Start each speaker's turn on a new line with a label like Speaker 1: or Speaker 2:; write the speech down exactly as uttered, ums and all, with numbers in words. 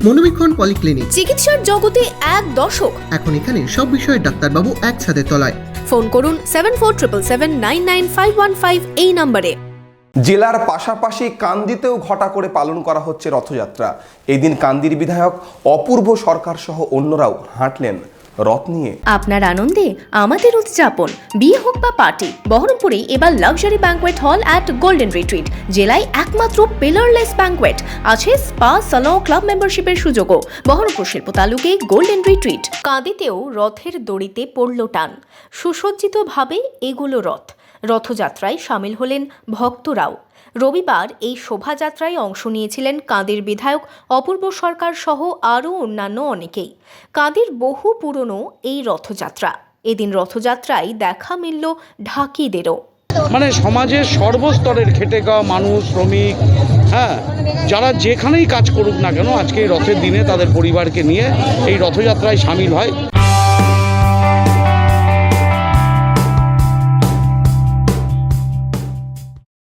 Speaker 1: মনোবীক্ষণ polyclinic,
Speaker 2: চিকিৎসার জগতে এক দশক।
Speaker 1: এখন এখানে সব বিষয়ে ডাক্তারবাবু একসাথে তলায়।
Speaker 2: ফোন করুন seven four triple seven nine nine five one five এই নম্বরে।
Speaker 3: জেলার পাশাপাশি কান্দিতেও ঘটা করে পালন করা হচ্ছে রথযাত্রা। এই দিন কান্দির বিধায়ক অপূর্ব সরকার সহ অন্যরাও হাঁটলেন রথ নিয়ে।
Speaker 2: আপনার আনন্দে আমাদের উদযাপন। বিয়ে হোক বা পার্টি, বহরমপুরে এবার luxury banquet hall at golden retreat. জেলায় একমাত্র পিলারলেস ব্যাঙ্কোয়েট, আছে স্পা, সালন, ক্লাব মেম্বারশিপের সুযোগও। বহরমপুর শিল্প তালুকে গোল্ডেন রিট্রিট। কাঁদিতেও রথের দড়িতে পড়ল টান। সুসজ্জিতভাবে এগুলো রথ। রথযাত্রায় সামিল হলেন ভক্তরাও। রবিবার এই শোভাযাত্রায় অংশ নিয়েছিলেন কাঁদির বিধায়ক অপূর্ব সরকার সহ আরও অন্যান্য অনেকেই। কাঁদির বহু পুরনো এই রথযাত্রা। এদিন রথযাত্রায় দেখা মিলল ঢাকিদেরও।
Speaker 4: মানে সমাজের সর্বস্তরের খেটে খাওয়া মানুষ, শ্রমিক, হ্যাঁ, যারা যেখানেই কাজ করুক না কেন, আজকে এই রথের দিনে তাদের পরিবারকে নিয়ে এই রথযাত্রায় সামিল হয়।